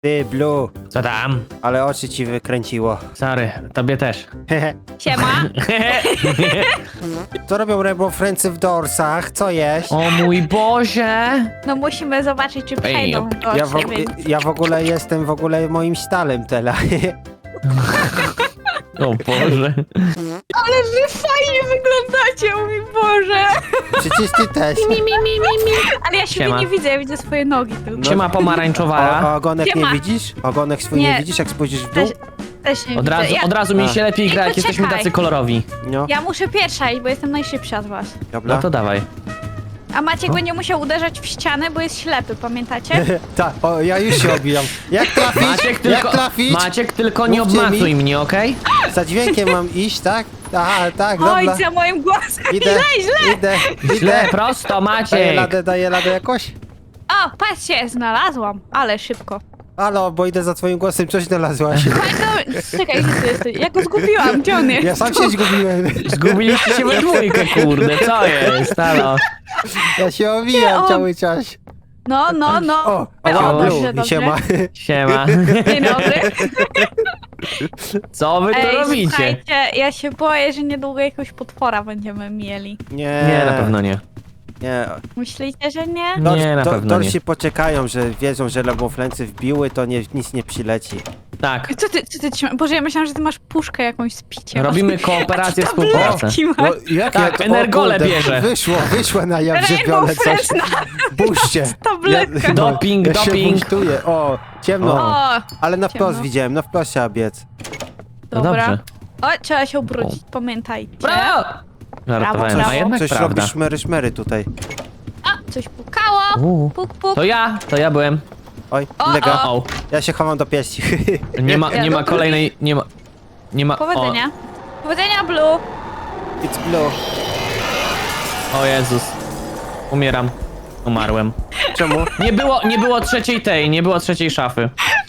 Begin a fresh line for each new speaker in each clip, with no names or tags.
Ty, Blue,
Co tam?
ale oczy ci wykręciło.
Sorry, tobie też.
Siema.
Co robią Rainbow Friendsy w dorsach? Co jeść?
O mój Boże!
No musimy zobaczyć, czy przejdą
Ja
gorsze, więc...
ja w ogóle jestem moim stalem teraz.
O Boże.
Ale wy fajnie wyglądacie, o mój Boże.
Przecież ty też.
Ale ja siebie
Siema.
nie widzę, ja widzę swoje nogi tylko.
Siema pomarańczowara.
Ogonek nie
Siema.
widzisz? Ogonek swój nie
Nie.
widzisz, jak spojrzysz w dół?
Też nie
Od
widzę.
razu,
Ja,
od razu mi się lepiej gra, jak
Poczekaj.
jesteśmy tacy kolorowi.
No,
ja muszę pierwsza iść, bo jestem najszybsza od was.
dobra.
No to dawaj.
A Maciek będzie musiał uderzać w ścianę, bo jest ślepy, pamiętacie?
Tak, o, ja już się obijam. Jak trafić? Jak trafić?
Maciek, tylko nie
Mówcie
obmacuj
mi.
mnie, okej?
Za dźwiękiem mam iść, tak? Aha, tak,
Oj,
dobra.
za moim głosem.
Idę, idę,
Źle,
idę.
prosto, Maciek!
Daję radę jakoś?
O, patrzcie, znalazłam, ale szybko.
Halo, bo idę za twoim głosem, coś znalazłaś.
Czekaj, gdzie ty jesteś? Ja go zgubiłam, gdzie on jest?
Ja sam się zgubiłem.
Zgubiliście się we dwójkę, kurde, co jest? Halo?
Ja się
Nie,
owijam
on-
cały czas.
No.
O,
O,
Blue,
dobrze,
i
dobrze.
siema.
Siema.
Dzień dobry.
Co wy tu robicie?
Słuchajcie, ja się boję, że niedługo jakiegoś potwora będziemy mieli.
Nie, na pewno nie.
Nie.
Myślicie, że nie?
Nie, na pewno nie.
Dorsi poczekają, że wiedzą, że lewoflęcy wbiły, to nic nie przyleci.
Tak,
Co ty trzymasz? Boże, ja myślałam, że ty masz puszkę jakąś z piciem.
robimy kooperację,
Jakie
współpracę.
tabletki masz?
No, jak
Tak,
to- o
energole
kurde,
bierze.
Wyszło na jaw żywione
Rainbow
coś.
Friends na
Buźcie.
tabletkach.
Doping,
ja się
doping.
buntuję. O, ciemno.
O,
Ale na wprost
ciemno.
widziałem, na wprost trzeba biec.
No
dobra.
dobrze.
O, trzeba się obrócić, pamiętajcie.
Brawo! Żartowałem,
Brawo.
a jednak
Coś
prawda.
robi szmery tutaj.
A, coś pukało. Puk, puk.
To ja byłem.
Oj,
O,
lega.
O,
Ja się chowam do pieści.
nie ma kolejnej, nie ma,
Powodzenia. Powodzenia, Blue.
It's blue.
O Jezus. Umieram. Umarłem.
Czemu?
Nie było trzeciej szafy.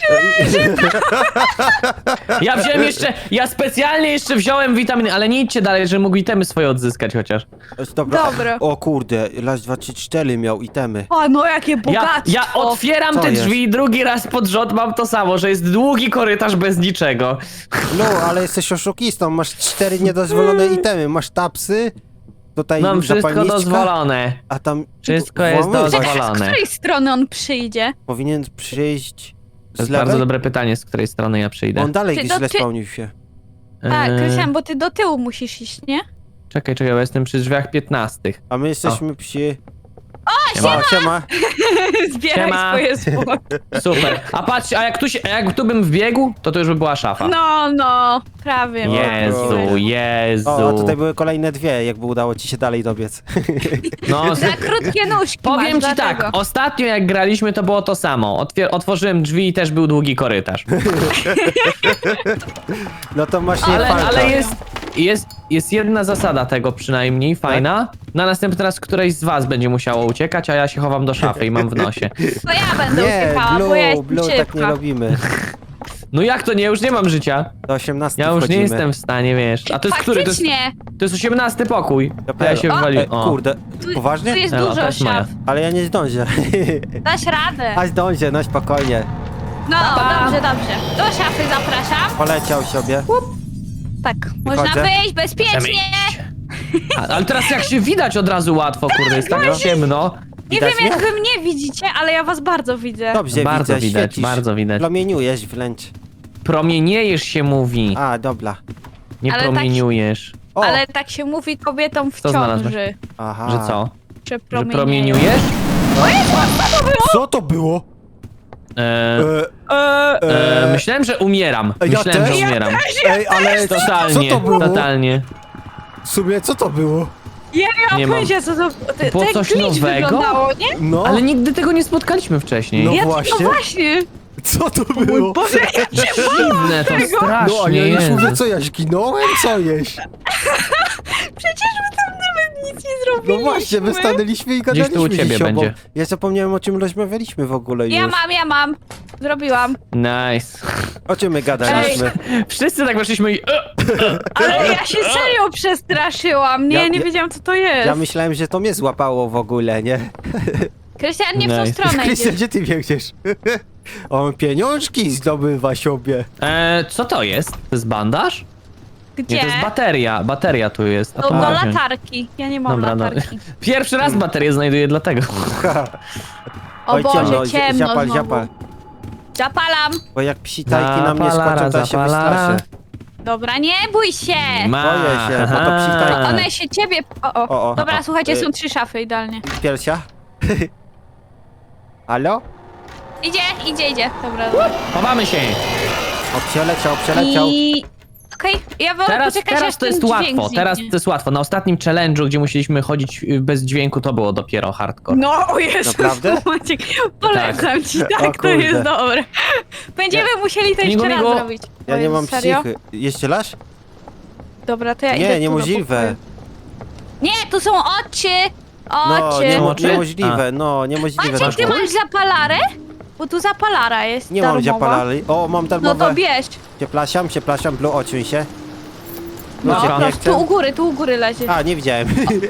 Ja specjalnie jeszcze wziąłem witaminy, ale nie idźcie dalej, że mógł itemy swoje odzyskać chociaż.
Dobra.
Dobra.
O kurde, raz, dwa, trzy, cztery miał itemy.
O, no jakie bogactwo.
Ja otwieram
Co
te
jest?
drzwi i drugi raz pod rząd mam to samo, że jest długi korytarz bez niczego.
No, ale jesteś oszukistą, masz 4 niedozwolone itemy. Masz tapsy, tutaj
Mam wszystko
zapalniczka,
dozwolone.
a tam...
Wszystko jest
włamujesz.
dozwolone.
Z której strony on przyjdzie?
Powinien przyjść
To
z
jest
lewej.
bardzo dobre pytanie, z której strony ja przyjdę.
On dalej
Ty
gdzieś źle
do ty-
spełnił się.
A,
Eee,
Krystian, bo ty do tyłu musisz iść, nie?
Czekaj, bo jestem przy drzwiach 15.
A my jesteśmy przy...
Siema.
O, siema.
Zbieraj
Siema.
swoje zwłoki.
Super. A patrz, a jak tu bym wbiegł, to już by była szafa.
No, prawie.
Jezu.
O, a tutaj były kolejne dwie, jakby udało ci się dalej dobiec.
No,
Za krótkie nóżki
powiem
masz,
ci tak,
dlatego.
ostatnio jak graliśmy, to było to samo. Otworzyłem drzwi i też był długi korytarz.
No to masz nie
Ale jest jedna zasada tego przynajmniej, fajna. Na następny raz któreś z was będzie musiało uciekać, a ja się chowam do szafy i mam w nosie.
To ja będę
Nie,
uciekała, bo ja jestem
Blue, tak nie
szybka.
robimy.
No jak to nie? Już nie mam życia.
Do 18
Ja już
wchodzimy.
nie jestem w stanie, wiesz. A to jest który?
Faktycznie,
To jest 18 pokój. A ja
Dopiero.
się
O,
wywaliłem.
Kurde,
tu
poważnie?
jest
No, to
dużo
jest moja.
szaf.
Ale ja nie zdążę.
Dasz radę.
A zdążę, no spokojnie.
No,
Pa.
dobrze. Do szafy zapraszam.
Poleciał sobie.
Tak, można
Wychodzę.
wyjść bezpiecznie.
Ale teraz jak się widać od razu łatwo, kurde, jest tak ciemno.
Nie
Widać
wiem, jak
mnie?
wy mnie widzicie, ale ja was bardzo widzę.
Dobrze
Bardzo
widzę,
widać,
świecisz.
bardzo widać.
Promieniujesz wręcz.
Promieniejesz się mówi,
A, dobra.
nie
Ale tak-
promieniujesz.
O,
Ale tak się mówi kobietom w
Co znalazłeś?
ciąży.
aha.
Że co?
Że
Że
promienieją.
promieniujesz?
Co to było?
Myślałem, że umieram.
Ja
Myślałem,
też.
że umieram.
Ej, ale
Totalnie,
co to było?
totalnie.
W sumie co to było?
Ja nie
Nie
mam
mam.
pojęcia, co to...
Było
To
coś
jak glitch
nowego?
wyglądało, nie?
No,
Ale nigdy tego nie spotkaliśmy wcześniej.
No
Ja
właśnie.
No właśnie.
co to było?
Boże, ja cię
Dziwne to
No, a
strasznie
ja już
jest.
mówię, co ja zginąłem? Co jeść?
Przecież my tam nawet nic nie
No
zrobiliśmy.
właśnie, my stanęliśmy i
Gdzieś
gadaliśmy
tu u ciebie
ze sobą.
będzie.
Ja zapomniałem, o czym rozmawialiśmy w ogóle już.
Ja mam. Zrobiłam.
Nice.
O czym my gadaliśmy?
Wszyscy tak weszliśmy i...
Ale ja się serio przestraszyłam.
Ja-
Nie
ja-
wiedziałam, co to jest.
Ja myślałem, że to mnie złapało w ogóle, nie?
Krystian, nie w tą
Nice.
stronę
Krystian,
idziesz.
gdzie ty biegniesz? On pieniążki zdobywa sobie.
Co to jest? To jest bandaż?
Gdzie?
Nie, to jest bateria. Bateria tu jest. A
Do
to mogę wziąć.
latarki. Ja nie mam
Dobra, no.
latarki.
Pierwszy raz baterię znajduję dlatego.
O Boże, ciemno
ziapal,
znowu.
ziapal.
Zapalam.
Bo jak psitajki na mnie
Zapalara,
skoczą, to ja się
zapalara.
wystraszę.
Dobra, nie bój się.
Boję się, bo to psitajki.
One się ciebie... O. Dobra,
o,
słuchajcie, są 3 szafy, idealnie.
Piersia? Halo?
Idzie. Dobra, dobra.
Chowamy się.
O, przeleciał.
I... Okej, ja wolę
Teraz
poczekać, aż
to
ten
jest
dźwięk
łatwo.
zniknie.
Teraz to jest łatwo. Na ostatnim challenge'u, gdzie musieliśmy chodzić bez dźwięku, to było dopiero hardcore.
No, o Jezus,
Naprawdę?
Maciek, polecam ci,
O
tak, to
kurde.
jest dobre. Będziemy musieli to jeszcze raz
Migu.
zrobić.
Ja
O
nie
Jezu,
mam
serio?
psychy. Jeszcze raz?
Dobra, to ja idę
Nie,
tu
niemożliwe.
do pokoju. Nie, tu są oczy!
No,
Oczy!
oczy?
niemożliwe, no, niemożliwe.
Maciek, ty masz zapalarę? Bo tu zapalara jest
Nie mam
darmowa.
zapalali. O, mam
No
darmowe.
to bierz.
Przepraszam, Blue, odsuń się.
No,
Ludzie,
No,
nie
tu u
chcę.
góry leży.
A, nie widziałem.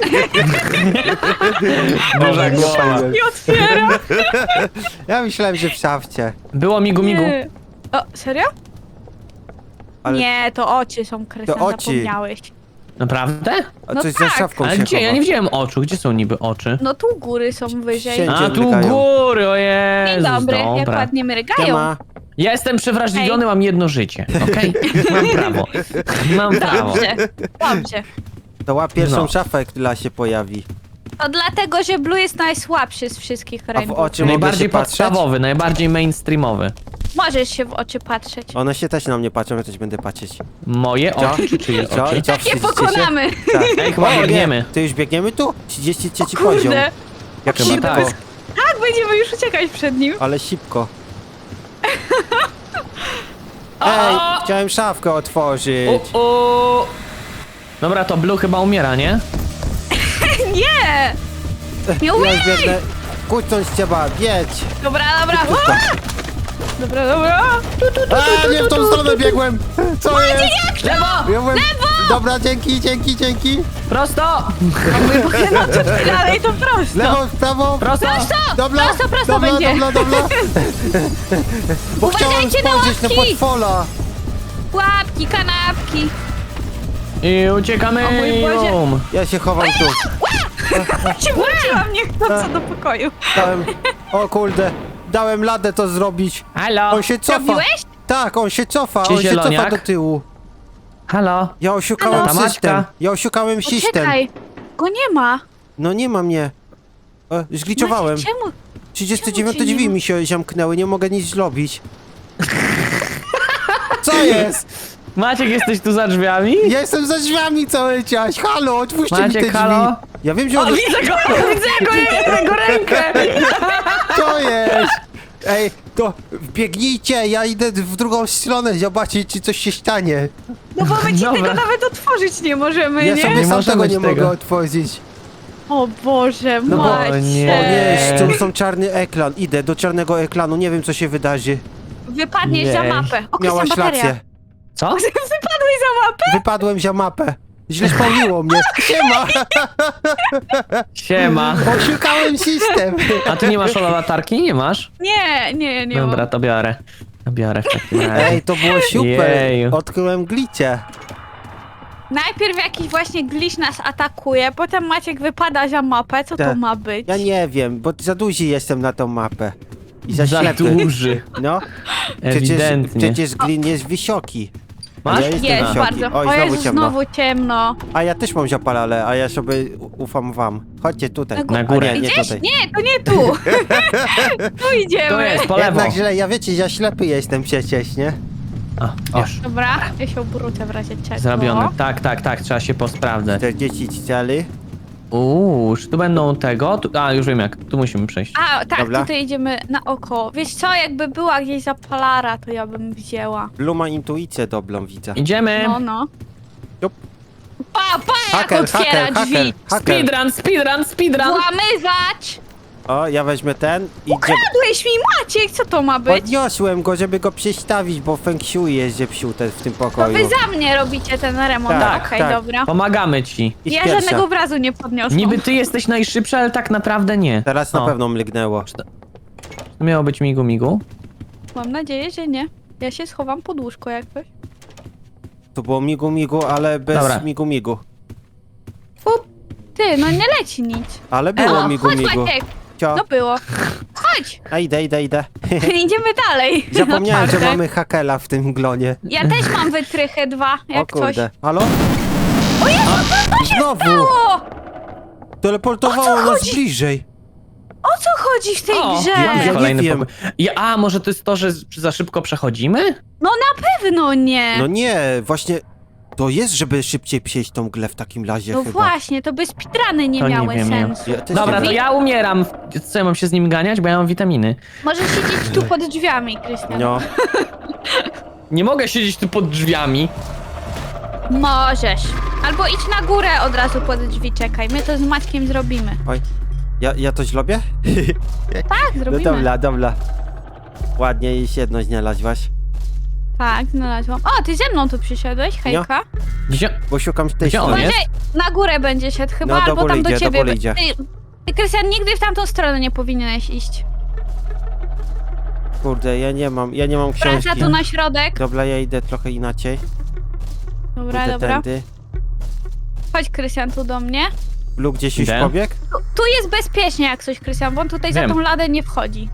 Duża głowa.
Nie otwiera.
Ja myślałem, że w szafcie.
Było migu.
Nie. O, serio?
Ale
Nie, to oczy są Krystian,
To oczy.
zapomniałeś.
Naprawdę?
a
no
coś
tak.
za szafką
Ale
się
gdzie? Ja
chowa.
nie widziałem oczu. Gdzie są niby oczy?
No tu u góry są wyżej.
Siedzi.
A, tu
mrygają.
góry, o
Dzień
Jezus,
dobry, jak
dobra.
ładnie mrygają.
Siema.
Ja jestem przewrażliwiony, mam jedno życie, okej? Mam prawo. Mam prawo.
Dobrze.
To łap pierwszą
No.
szafę, która się pojawi.
To dlatego, że Blue jest najsłabszy z wszystkich
A w
rainbow.
oczy mogę się
Najbardziej
patrzeć?
podstawowy, najbardziej mainstreamowy.
Możesz się w oczy patrzeć.
One się też na mnie patrzą, ja też będę patrzeć.
Moje
Co?
oczy czy czyje
Co?
oczy?
I co,
Tak je
wstydzicie się?
pokonamy.
Tak.
Ej, chyba
O, nie.
biegniemy.
Ty już biegniemy tu? 33 poziom.
Kurde.
Jak
Chyba
szybko.
tak.
Tak, będziemy już uciekać przed nim.
Ale szybko. Ej, chciałem szafkę otworzyć.
Dobra, to Blue chyba umiera, nie?
Nie! Nie
Ja
umiem!
już biegnę. Kucnąć trzeba, bieć.
Dobra. Ua! Dobra.
A, nie w tą stronę biegłem. Co jest?
Lewo!
Biegłem. Dobra, dzięki.
Prosto!
No to dalej, to prosto.
Lewo, w prawo.
Prosto!
Dobra,
Prosto będzie.
Dobra. Bo chciałem
Uważajcie na
spojrzeć na
łapki.
portfola.
Łapki, kanapki.
I uciekamy!
O mój Boże.
Bum.
Ja się chowam tu.
Cię wróciłam niechcąco do pokoju.
O kurde, dałem ladę to zrobić.
Halo!
On się cofa.
Robiłeś?
Tak, on się cofa,
Czy
on się cofa
zieloniak?
do tyłu.
Halo!
Ja osiukałem
Halo?
system.
Maćka.
Ja osiukałem system.
Poczekaj. Go nie ma.
No nie ma mnie. Zgliczowałem.
Maciek, czemu?
39
czemu cię nie
drzwi
ma?
mi się zamknęły, nie mogę nic zrobić. Co jest?
Maciek, jesteś tu za drzwiami?
Ja jestem za drzwiami cały czas. Halo, otwórzcie mi te
Maciek,
drzwi.
halo?
Ja wiem, że
O,
on...
widzę go! Widzę jego rękę!
Co jest? Ej, to biegnijcie, ja idę w drugą stronę zobaczyć, czy coś się stanie.
No bo my ci
Dobra.
tego nawet otworzyć nie możemy,
Ja
nie?
sobie
Nie
sam
możemy
tego nie
tego.
mogę otworzyć.
O Boże,
No bo-
Maciek.
O nie.
O nie, tu są czarny ekran. Idę do czarnego ekranu, nie wiem co się wydarzy.
Wypadniesz
Nie.
za mapę. O,
Miałaś
Krystian, bateria.
rację.
Co?
Wypadłeś za mapę?
Wypadłem za mapę. Źle spełniło mnie. Siema!
Siema.
Oszukałem system.
A ty nie masz latarki? Nie masz?
Nie
Dobra,
mam.
to biorę. To biorę w takim razie.
Ej, to było super.
Jeju.
Odkryłem glicie.
Najpierw jakiś właśnie glitch nas atakuje, potem Maciek wypada za mapę. Co to
Tak.
ma być?
Ja nie wiem, bo za duży jestem na tą mapę. I za
Za
ślepy.
duży.
No.
Ewidentnie.
Przecież glin jest wysoki.
Masz?
Ja jestem
Jest
wysoki.
bardzo.
Oj,
O
znowu
Jezu,
ciemno.
znowu ciemno.
A ja też mam zapalale, a ja sobie ufam wam. Chodźcie tutaj.
Na górę.
A nie, nie
Idziesz?
tutaj.
Nie, to nie tu. Tu idziemy.
To jest, po lewo.
Jednak źle, ja wiecie, ja ślepy jestem przecież, nie?
O, już.
Dobra, ja się obrócę w razie czego.
Zrobione. Tak, trzeba się posprawdzać.
40 cali.
Czy tu będą tego? Już wiem jak, tu musimy przejść.
A, tak,
Dobra.
tutaj idziemy na oko. Wiesz co, jakby była gdzieś zapalara, to ja bym wzięła.
Blue ma intuicję dobrą, widzę.
Idziemy!
No.
Jup.
Pa, jak
Haker,
otwiera
haker,
drzwi.
haker.
Speedrun!
Włamywać!
O, ja weźmę ten i gdzie...
Kradłeś mi, Maciek, co to ma być?
Podniosłem go, żeby go przestawić, bo feng shui jest zepsute w tym
To
pokoju.
wy za mnie robicie ten remont.
Tak,
Okej,
tak.
dobra.
Pomagamy ci.
Idź
Ja
pierwsza.
żadnego obrazu nie podniosłam.
Niby ty jesteś najszybszy, ale tak naprawdę nie.
Teraz na
O,
pewno mrygnęło.
To miało być migu.
Mam nadzieję, że nie. Ja się schowam pod łóżko jak coś.
To było migu, ale bez
Dobra.
migu.
Ty, no nie leci nic.
Ale było
Chodź
migu.
Maciek,
Cio.
no było. Chodź,
A idę.
idziemy dalej.
Zapomniałem, że
Naprawdę.
mamy hakela w tym glonie.
Ja też mam wytrychę 2,
O
jak coś.
kurde. Halo? Znowu!
O!
Teleportowało
O co
nas
chodzi?
bliżej.
O co chodzi w tej
O,
grze?
mamy
nie
kolejny
wiem.
pokój. A może to jest to, że za szybko przechodzimy?
No na pewno nie.
No nie, właśnie to jest, żeby szybciej przejść tą grę w takim razie
No
chyba.
właśnie, to by speedruny nie
To nie
miały
wiem, nie.
sensu.
Ja też
Dobra,
nie
to
wiem.
ja umieram. Co, ja mam się z nim ganiać? Bo ja mam witaminy.
Możesz siedzieć tu pod drzwiami, Krystian.
No,
Nie mogę siedzieć tu pod drzwiami.
Możesz. Albo idź na górę od razu pod drzwi, czekaj. My to z Maćkiem zrobimy.
oj. Ja to zrobię?
Tak,
No
zrobimy.
dobra. Ładnie i jedno znalazłaś.
Tak, znalazłam. O, ty ze mną tu przyszedłeś, hejka.
Gdzie?
Bo szukam tej
Gdzie on
strony.
jest?
Na górę będzie szedł chyba,
No, do
albo
góry
tam do
idzie, do
ciebie.
góry idzie.
Ty, Krystian, nigdy w tamtą stronę nie powinieneś iść.
Kurde, ja nie mam książki.
Wraca tu na środek.
Dobra, ja idę trochę inaczej.
Dobra,
Idę
dobra.
tędy.
Chodź, Krystian, tu do mnie.
Lub gdzieś już
Idę.
pobiegł?
Tu jest bezpiecznie jak coś, Krystian, bo on tutaj
Wiem.
za tą ladę nie wchodzi.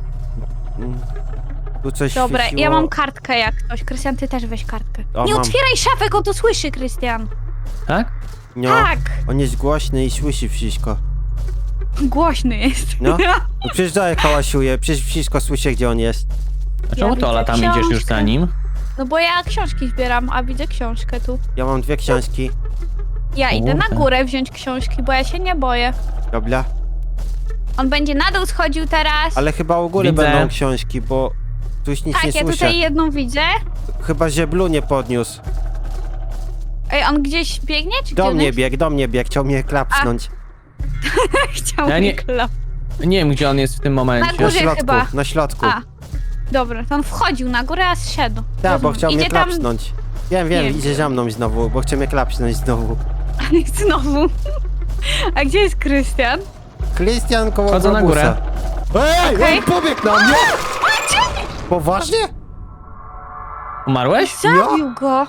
Tu coś
Dobra,
świeciło.
ja mam kartkę jak coś. Krystian, ty też weź kartkę.
O,
Nie
mam.
otwieraj szafek, on to słyszy, Krystian.
Tak?
No,
Tak,
on jest głośny i słyszy wszystko.
głośny jest.
No. No przecież dalej hałasuje, przecież wszystko słyszę, gdzie on jest.
A czemu
widzę
Tola tam idziesz już
książkę.
za nim?
No bo ja książki zbieram, a widzę książkę tu.
Ja mam 2 książki.
Ja idę na
Kurde.
górę wziąć książki, bo ja się nie boję.
Dobra.
On będzie na dół schodził teraz.
Ale chyba u góry
Widzę.
będą książki, bo tu już nic
Tak,
nie
ja
słyszę.
tutaj jedną widzę.
Chyba, że Blue nie podniósł.
Ej, on gdzieś biegnie, czy
Do
gdzie on
mnie
jest?
biegł, chciał mnie klapsnąć.
Chciał
Ja
mnie
nie-
klap.
Nie wiem, gdzie on jest w tym momencie.
Na
Na
górze
środku,
chyba.
na środku.
A, dobra, to on wchodził na górę, a zszedł.
Tak, bo
Rozumiem.
chciał mnie
Idzie tam
klapsnąć. Wiem,
Nie wiem,
idzie za mną znowu, bo chce mnie klapsnąć znowu.
znowu. A gdzie jest Krystian?
Krystian koło
Chodzę na
Globusa. Ej,
Okej.
on pobiegł na mnie! Poważnie?
Umarłeś?
Zabił go.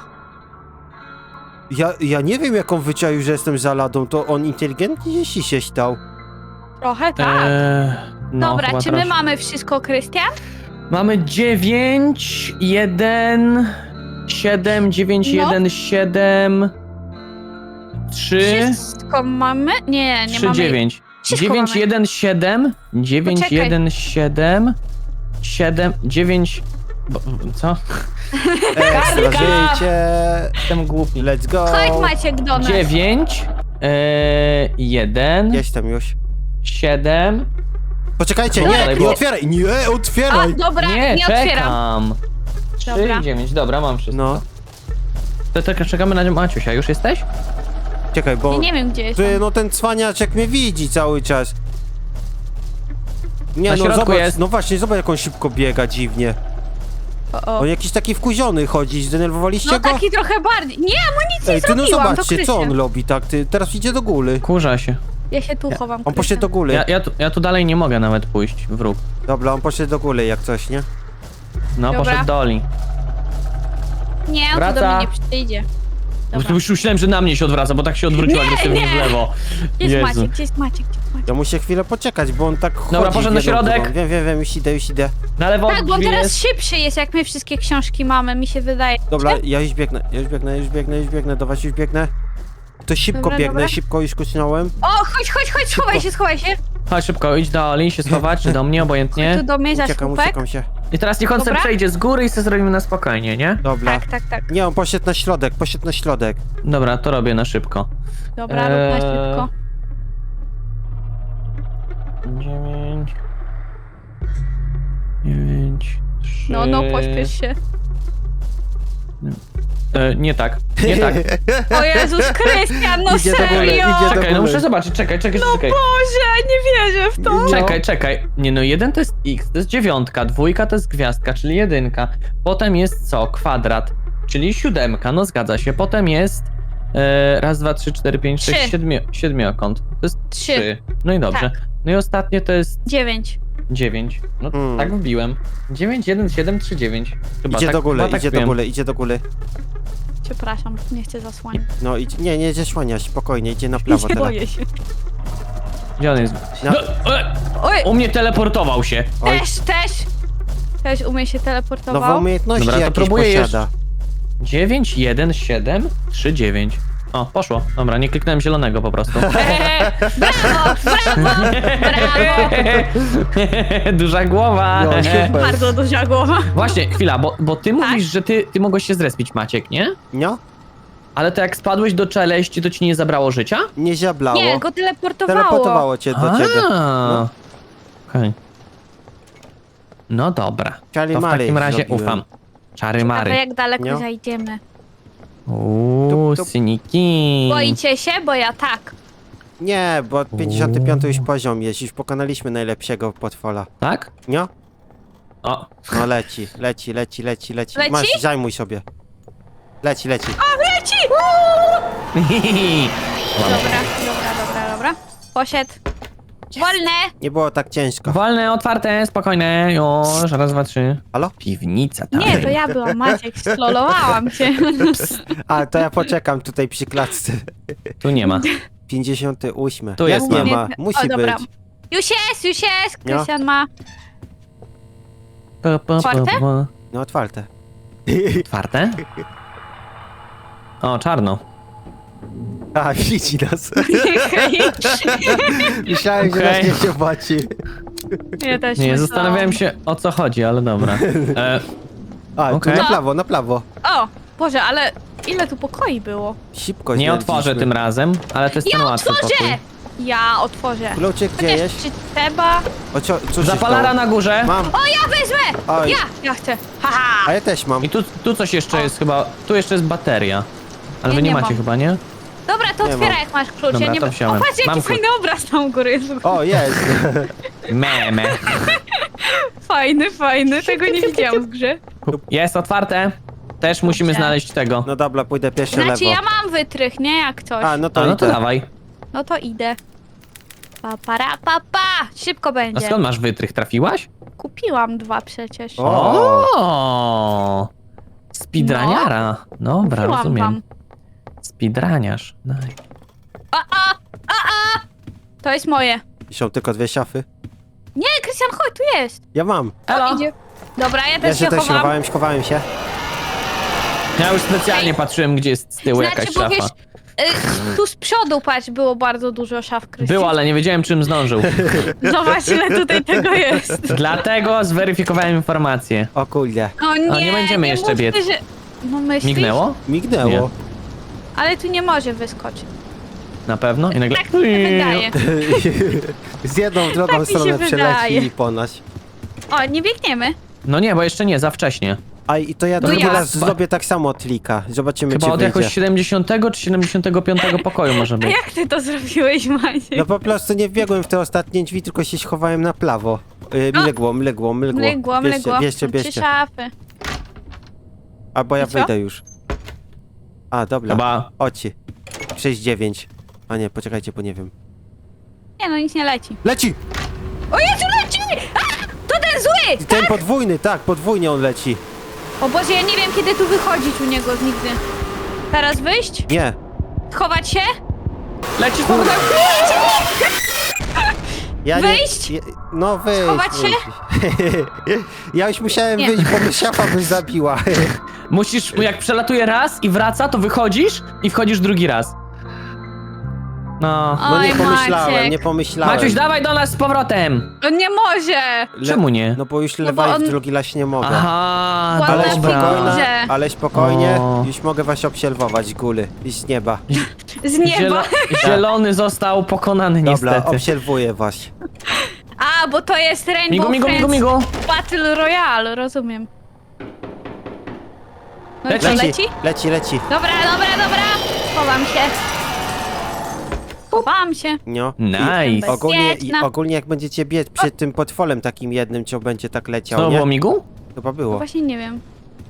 Ja nie wiem, jak on wyczaił, że jestem za ladą, to on inteligentnie jeśli się stał.
Trochę tak.
No,
Dobra,
chyba
czy my
troszkę.
mamy wszystko, Krystian?
Mamy 9, 1, 7, 9,
No.
1, 7, 3,
Wszystko mamy? Nie, nie
3,
mamy.
9.
Wszystko
9,
mamy.
1, 7, 9,
Poczekaj.
1, 7, 7, 9... Co?
Ekstra życie!
Jestem głupi.
Let's go!
Chodź Maciek do nas.
9, 1,
Jestem już.
7...
Poczekajcie,
Dobra,
nie
bo-
otwieraj! Nie,
A,
otwieraj!
dobra,
Nie,
nie otwieram.
czekam. 3,
Dobra.
9, dobra, mam wszystko.
No,
To tylko czekamy na Maciusia, już jesteś?
czekaj, bo...
Ja nie wiem, gdzie jest.
Ty, no ten cwaniaczek mnie widzi cały czas. Nie,
Na
no
środku
zobacz,
jest.
no właśnie, zobacz jak on szybko biega dziwnie.
O.
On jakiś taki wkuziony chodzi, zdenerwowaliście
No
go?
taki trochę bardziej. Nie, amunicji
Ej, ty no
zrobiłam, to
zobaczcie, co
Krystian.
on robi, tak? Ty teraz idzie do góry.
Kurza się.
Ja się tu chowam,
On poszedł do
Krystian.
góry.
Ja tu dalej nie mogę nawet pójść w róg.
Dobra, on poszedł do góry jak coś, nie?
No,
Dobra.
poszedł do Oli.
Nie, on tu
Wraca.
do mnie nie przyjdzie. Dobra.
Już myślałem, że na mnie się odwraca, bo tak się odwróciła agresywnie
nie.
w lewo.
Gdzie jest
Jezu.
Maciek? Gdzie jest Maciek? Gdzie jest Maciek?
Ja muszę chwilę poczekać, bo on tak chodzi.
Dobra, poszedł
w
na
jedną
środek.
drugą. Wiem, już idę.
Na lewo
Tak, bo on
drzwi
teraz
jest.
szybszy jest, jak my wszystkie książki mamy, mi się wydaje.
Dobra, ja już biegnę, do was już biegnę. To szybko
Dobra,
biegnę,
dobra.
szybko już kucnąłem.
O, chodź, schowaj się.
Chodź szybko, idź do Oli, się schować, czy do mnie,
Tu
obojętnie.
do mnie za
Uciekam
słupek.
się.
I teraz niech on sobie
Dobra.
przejdzie z góry i sobie zrobimy na spokojnie, nie?
Dobra.
Tak.
Nie, on poszedł na środek.
Dobra, to robię na szybko.
Dobra, rób na szybko.
9... 9... 3...
No, pośpiesz się.
Nie tak, nie tak.
O Jezus, Krystian, no
Idzie do góry,
serio!
idzie do
Czekaj, no
góry.
muszę zobaczyć, czekaj.
Boże, nie wierzę w to.
No.
Czekaj. Nie no, 1 to jest x, to jest 9, 2 to jest gwiazdka, czyli 1. Potem jest co? Kwadrat, czyli 7, no zgadza się. Potem jest raz, 2, 3, 4, 5, 6,
Trzy.
7, siedmiokąt. To jest
3,
3. No i dobrze.
Tak.
No i ostatnie to jest
9.
9. No
Hmm.
tak wbiłem. 9, 1, 7, 3, 9. Chyba
Idzie
tak,
do góry,
chyba tak
idzie do
wbiłem.
góry, idzie do góry.
Przepraszam, nie chcę zasłaniać.
No nie zasłaniać, spokojnie, idzie na prawo teraz.
Boję się.
Gdzie on jest?
No.
No,
Oj,
u mnie teleportował się.
Oj.
też umie się teleportował.
Nowe umiejętności
Dobra, to
jakieś
próbuję
posiada.
9, 1, 7, 3, 9. O, poszło. Dobra, nie kliknąłem zielonego po prostu.
Brawo, brawo, brawo.
Duża głowa.
No, super.
Bardzo duża głowa.
Właśnie, chwila, bo ty
Tak?
mówisz, że ty mogłeś się zrespić, Maciek, nie?
No?
Ale to jak spadłeś do czeleści, to ci nie zabrało życia?
Nie ziablało.
Nie, go teleportowało.
Teleportowało cię do ciebie.
No. Okej. No dobra.
Czary
To w
Mary
takim razie
zrobiłem.
ufam. Czary
A
Mary.
jak daleko
Nie?
zajdziemy?
Uuu,
Tup, tup.
syniki.
Boicie się? Bo ja tak.
Nie, bo 55 już poziom jest, już pokonaliśmy najlepszego potwora.
Tak?
Nie?
O.
No leci.
Leci?
Masz, zajmuj sobie. Leci.
Leci! Dobra. Poszedł. Wolne!
Nie było tak ciężko.
Wolne, otwarte, spokojne. Już, raz, dwa, trzy.
Halo?
Piwnica, tak.
Nie, to ja byłam, Maciek, sklolowałam cię.
A, to ja poczekam tutaj przy klatce.
Tu nie ma.
58.
Tu jest,
Jak nie
mam.
ma? Musi
dobra.
być.
Już jest! Krystian ma. Otwarte?
No otwarte.
Otwarte? O, czarno.
A, widzi nas. Myślałem, że
Okej.
nas nie zobaczy.
Ja też
Nie,
myślałam.
zastanawiałem się, o co chodzi, ale dobra.
A,
Okej.
tu na prawo.
O, Boże, ale ile tu pokoi było?
Szybko
Nie otworzę tym razem, ale to jest ten
Ja
łatwy pokój.
otworzę! Ja otworzę.
Kluczyk gdzie
Chociaż
jest?
czy trzeba?
O, co się
Zapalara
stało?
na górze.
Mam.
O, ja wezmę!
Oj.
Ja chcę. Haha!
A ja też mam.
I tu coś jeszcze jest chyba, tu jeszcze jest bateria. Ale
Nie,
wy nie
nie
macie
mam.
chyba, nie?
Dobra, to
Nie
otwieraj,
mam.
jak masz klucz.
Dobra,
ja nie
to
o,
wziąłem.
patrz, jaki
Mam
fajny obraz tam u góry jest.
O, jest.
Meme.
Fajny, tego nie widziałam w grze.
Jest otwarte. Też musimy
Dobrze.
znaleźć tego.
No dobra, pójdę pierwszy
Znaczy,
lewo.
ja mam wytrych, nie? Jak coś.
A, no to
A, no to
idę.
dawaj.
No to idę. Pa. Szybko
A
będzie.
skąd masz wytrych? Trafiłaś?
Kupiłam 2 przecież.
O.
O! Speedraniara. Dobra,
Kupiłam
rozumiem.
wam.
Speedraniarz. Daj.
To jest moje.
Są tylko 2 szafy.
Nie, Krystian, chodź, tu jest.
Ja mam.
Elo.
Idzie. Dobra, ja
Ja
też
się
się
też
chowam.
schowałem się.
Ja już specjalnie patrzyłem, gdzie jest z tyłu jakaś
bo
szafa.
wiesz, tu z przodu, patrz, było bardzo dużo szaf, Krystian.
Było, ale nie wiedziałem, czym zdążył.
Zobacz, ile tutaj tego jest.
Dlatego zweryfikowałem informację.
O kurde.
No nie,
nie będziemy jeszcze
mówmy,
biec.
Że... No myślisz?
Mignęło?
Mignęło.
Nie.
Ale tu nie może wyskoczyć.
Na pewno? I nagle...
Tak mi się wydaje.
Z jedną w drugą
Tak mi się
stronę
wydaje.
przeleci po nas.
O, nie biegniemy.
No nie, bo jeszcze nie, za wcześnie.
A i to ja
No
drugi
ja.
raz zrobię tak samo od klika. Zobaczymy,
Chyba
czy
od
wyjdzie.
jakoś 70 czy 75 pokoju może
A
być.
jak ty to zrobiłeś, Maciek?
No po prostu nie wbiegłem w te ostatnie drzwi, tylko się schowałem na prawo. Mlygło.
Mlygło.
Bierzcie.
3 szafy.
Albo ja
I co?
wyjdę już. A, dobra.
Chyba...
Oci. 6-9. A nie, poczekajcie, bo nie wiem.
Nie no, nic nie leci.
Leci!
O Jezu, leci! A! To ten zły!
Ten podwójny, tak, podwójnie on leci.
O Boże, ja nie wiem, kiedy tu wychodzić u niego nigdy. Teraz wyjść?
Nie.
Schować się?
Leci z powrotem!
Ja
Wyjść?
Nie, no wyjść.
Schować się?
wyjść. Ja już musiałem
Nie.
wyjść, bo mnie szafa by zabiła.
Musisz, jak przelatuje raz i wraca, to wychodzisz i wchodzisz drugi raz. No.
No nie
Oj,
pomyślałem,
Maciek.
nie pomyślałem.
Maciuś, dawaj do nas z powrotem!
On nie może!
Czemu nie?
No bo już
No
lewa
bo
i
on-
w drugi las nie mogę.
Aha,
Ładna
Ale
figura.
dobra.
spokojnie, ale spokojnie,
O.
już mogę was obserwować, góry, i z nieba.
Z nieba.
Zielony został pokonany
Dobra,
niestety.
obserwuję was.
A, bo to jest Rainbow
Migu.
Friends Battle Royale, rozumiem. No i co, leci?
Leci.
Dobra. Chowam się. Chowam się.
No.
Nice.
I
Bezpieczna.
ogólnie jak będziecie biec przed tym potworem takim jednym, co będzie tak leciał,
Co
nie?
było migu?
Chyba
No
było,
właśnie nie wiem.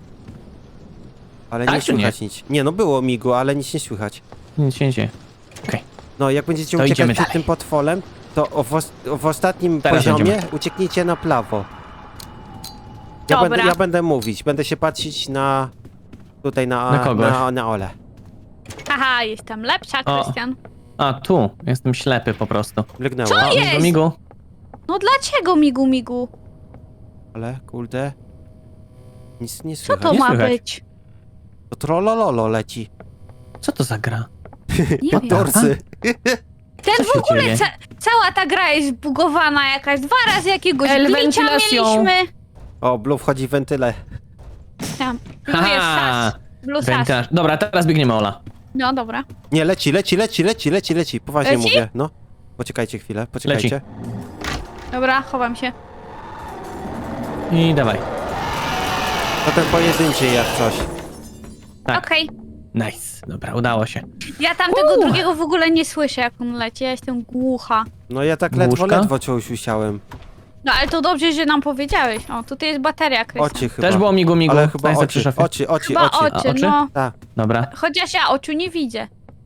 ale
Tak
nie
czy nie?
słychać nic. Nie, no było migu, ale nic nie słychać.
Nic się nie dzieje. Okej.
No, jak będziecie
To
uciekać
idziemy
przed
dalej.
tym potworem, To w ostatnim
Teraz
poziomie
będziemy.
ucieknijcie na prawo.
Dobra.
Ja będę mówić, będę się patrzeć na... Tutaj
Na kogoś.
na Ole.
Haha, jestem lepsza,
O.
Krystian.
A, tu. Jestem ślepy po prostu.
Mrygnęło.
Co
O,
jest?
migu.
No dlaczego migu?
Ale, kurde... Nic nie
Co
słychać.
to
Nie
ma
słychać.
być?
To trollololo leci.
Co to za gra?
Nie wiem.
Dorsy.
Ten
Co
w
się
ogóle,
dzieje?
cała ta gra jest zbugowana jakaś. 2 razy jakiegoś
El
glitcha
ventylacją.
mieliśmy.
O, Blue wchodzi w wentyle.
Tam, Blue jest
Haha.
sas. Blue sas.
Wentylaż. Dobra, teraz biegniemy, Ola.
No dobra.
Nie, leci. Poważnie
Leci?
mówię, no. Poczekajcie chwilę, poczekajcie.
Dobra, chowam się.
I dawaj.
To ten pojedynczy jak coś.
Tak.
Okej.
Nice. Dobra, udało się.
Ja tamtego drugiego w ogóle nie słyszę, jak on leci. Ja jestem głucha.
No ja tak
Główka?
ledwo coś usiałem.
No ale to dobrze, że nam powiedziałeś. O, tutaj jest bateria, Krystian.
Oczy chyba.
Też było migu.
Ale chyba
Znajdę przy
oczy,
szafie.
oczy.
Chyba oczy,
A, oczy?
no.
Tak.
Dobra.
Chociaż ja oczu nie widzę.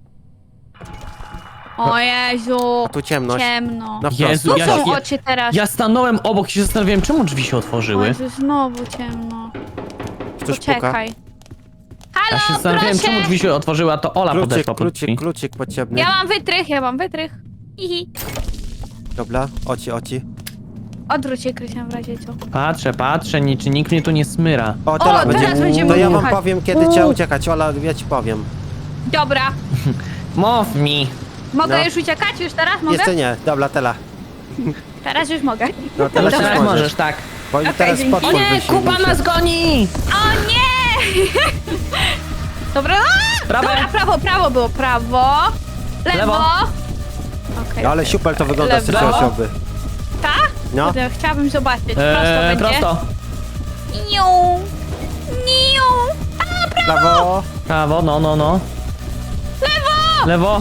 O Jezu.
A tu ciemność.
Ciemno.
Na
Jezu,
Tu
prosto.
ja-
są
ja-
oczy teraz.
Ja stanąłem obok i się zastanawiałem, czemu drzwi się
O
otworzyły.
Jezu, znowu ciemno.
Ktoś puka.
Poczekaj.
Ja się
Halo,
zastanawiałem, czemu
proszę!
drzwi się otworzyły, a to Ola podeszła pod drzwi.
Kluczyk potrzebny.
Ja mam wytrych. Hihi.
Dobra, oczy.
Odwróć się, Krystian, w razie co.
Patrzę, czy nikt mnie tu nie smyra.
O, teraz
teraz będziemy
To ja wam
słuchać.
powiem, kiedy trzeba uciekać. Ola, ja ci powiem.
Dobra.
Mów mi.
Mogę
No.
już uciekać? Już teraz mogę?
Jeszcze nie. Dobra, tela.
Teraz już mogę.
No teraz już
Teraz
możesz.
możesz, tak.
Bo
Okej,
teraz
dzięki.
potwór
O nie,
wysiłkuje
Kuba
się.
nas goni!
O nie! Dobra,
Prawe.
dobra, prawo było, prawo. Lewo.
Lewo.
Okej.
Ale super to wygląda z
Lewo.
trzeciej osoby.
Tak?
No.
Kurde, chciałabym zobaczyć. Prosto będzie.
Prosto.
Niu. Niu.
Prawo.
Prawo, no. Lewo.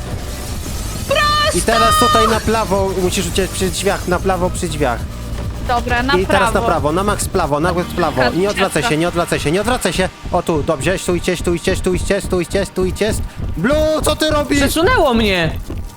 I teraz tutaj na prawo musisz uciec przy drzwiach. Na prawo przy drzwiach.
Dobra, na
I
prawo.
teraz na prawo. Na max prawo. Na max prawo. I nie odwracaj się, nie odwracaj się. O tu, dobrze. Stójcie. Blue, co ty robisz?
Przesunęło mnie.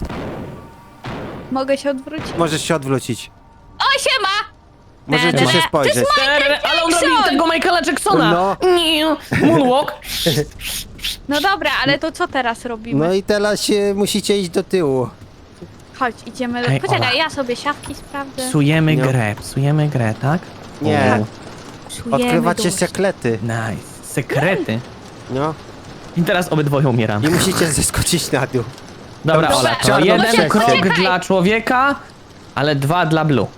Mogę się odwrócić?
Możesz się odwrócić.
O, siema!
Możecie
Ne,
się
ne.
spojrzeć.
Ale on
Jackson!
robił tego Michaela Jacksona.
No.
Nie. Moonwalk.
No dobra, ale to co teraz robimy?
No i teraz musicie iść do tyłu.
Chodź, idziemy do...
Ej,
Poczekaj,
Ola.
ja sobie siatki sprawdzę.
Psujemy
No.
grę, tak?
Nie.
O,
Psujemy
Odkrywacie
dusz.
sekrety.
nice. Sekrety.
No.
I teraz obydwoje umieram.
I musicie zeskoczyć na dół.
Dobra,
Dobra,
Ola, to
czarno
jeden
przejście.
krok
Poczekaj.
dla człowieka, ale 2 dla Blue.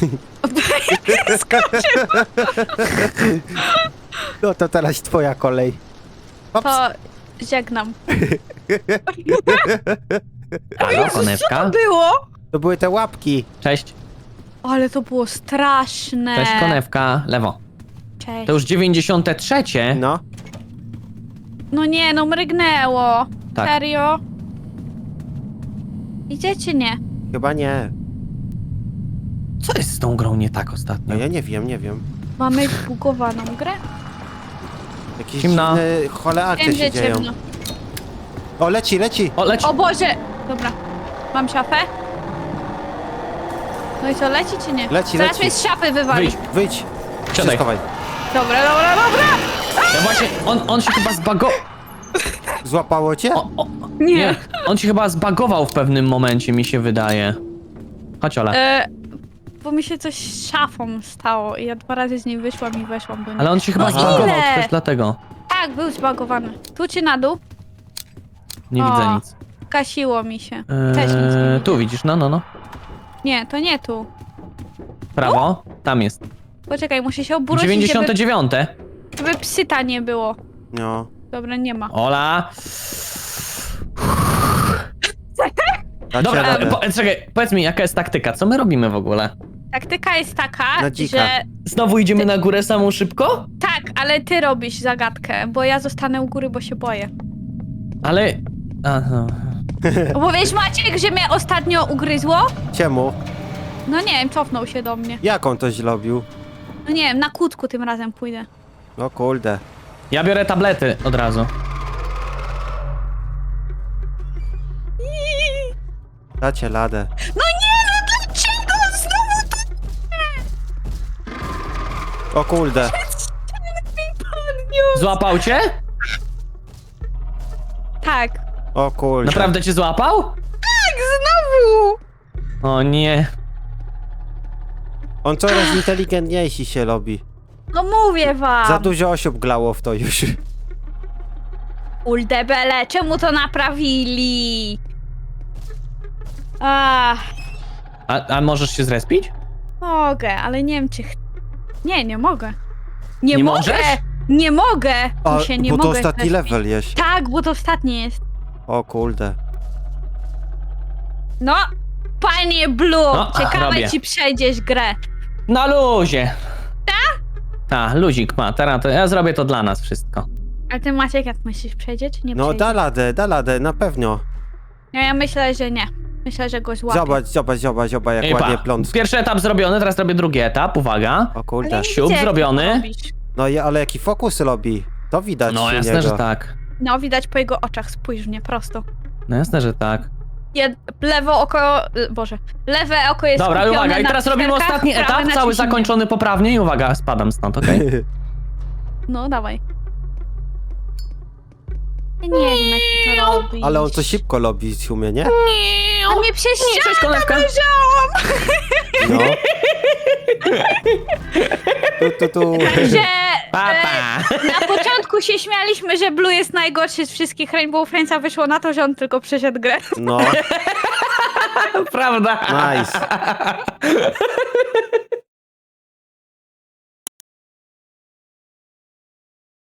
No to teraz twoja kolej. Ops.
To żegnam.
Halo, konewka.
było?
To były te łapki.
Cześć.
Ale to było straszne.
Cześć, konewka. Lewo.
Cześć.
To już 93.
No.
No nie, no mrygnęło.
Tak.
Serio? Idzie czy nie?
Chyba nie.
Co jest z tą grą nie tak
No
ostatnio?
ja nie wiem.
Mamy zbugowaną grę?
Jakieś
Ciemno.
dziwne chole akcje
Wiem,
się
że
dzieją.
ciemno.
O, leci.
O, leci.
O Boże! Dobra. Mam szafę? No i co, leci czy nie?
Leci,
Zaraz
leci.
mnie z szafy wywali.
Wyjdź.
Siadaj.
Się schowaj.
Dobra.
Ja właśnie, on się chyba zbagował.
Złapało cię?
Nie, on się chyba zbagował w pewnym momencie, mi się wydaje. Chodź, Ola.
Bo mi się coś z szafą stało i ja 2 razy z niej wyszłam i weszłam do niej.
Ale on się chyba
No
zbagował,
ile?
to też dlatego.
Tak, był zbagowany. Tu czy na dół?
Nie
O.
widzę nic.
Kasiło mi się. Też nic nie widzę.
Tu widzisz, no.
Nie, to nie tu.
Prawo, tam jest.
Poczekaj, muszę się obrócić,
99.
żeby psyta nie było.
No.
Dobra, nie ma.
Ola.
Dacie
Dobra,
radę.
czekaj, powiedz mi, jaka jest taktyka? Co my robimy w ogóle?
Taktyka jest taka,
Na dzika.
że...
Znowu idziemy na górę samą szybko?
Tak, ale ty robisz zagadkę, bo ja zostanę u góry, bo się boję.
Ale... Aha.
Bo wiesz, Maciek, że mnie ostatnio ugryzło?
Czemu?
No nie wiem, cofnął się do mnie.
Jak on to zrobił?
No nie wiem, na kłódku tym razem pójdę.
No kurde.
Ja biorę tablety od razu.
Dacie ladę.
No nie,
O kurde.
Złapał cię?
Tak.
O kurde.
Naprawdę cię złapał?
Tak, znowu!
O nie.
On coraz inteligentniejsi się robi.
No mówię wam.
Za dużo osób glało w to już.
Uldebele, czemu to naprawili? Ach,
A możesz się zrespić?
mogę, ale nie wiem czy... Nie mogę. Nie,
Nie
mogę!
możesz?
Nie mogę!
A,
Tu się nie
bo to
mogę
ostatni
zrespić.
level jest.
Tak, bo to ostatni jest.
O kurde.
No, panie Blue,
No,
ciekawe
robię.
ci przejdziesz grę.
Na luzie. Tak, luzik ma. Teraz to ja zrobię to dla nas wszystko.
A ty Maciek, jak myślisz, przejdzie czy nie
No
przejdzie?
da radę, na pewno.
Ja myślę, że nie. Myślę, że go złapię.
Zobacz, jak
Ej,
ładnie
pa.
pląc.
Pierwszy etap zrobiony, teraz robię drugi etap. Uwaga.
O
Ale
kurde.
nie
Siup
widzę, jak
zrobiony.
to robisz.
No ale jaki fokus robi. To widać
No
u
jasne,
niego.
że tak.
No, widać po jego oczach, spójrz mnie prosto.
No jasne, że tak.
Lewo oko... Boże. Lewe oko jest
Dobra,
skupione
uwaga, i
na
teraz robimy
cyferkach,
ostatni
prawe
etap,
na
cały
ciśnieniu.
zakończony poprawnie i uwaga, spadam stąd, okej?
No, dawaj. Ja nie wiem, jak ty to robisz.
Ale on to szybko robi, umie, nie?
A mnie przez
Cześć,
ścianę
konewka.
dojrzałam!
No. Tu.
Że
Papa.
na początku się śmialiśmy, że Blue jest najgorszy z wszystkich Rainbow Friends, a wyszło na to, że on tylko przeszedł grę.
No,
Prawda.
nice.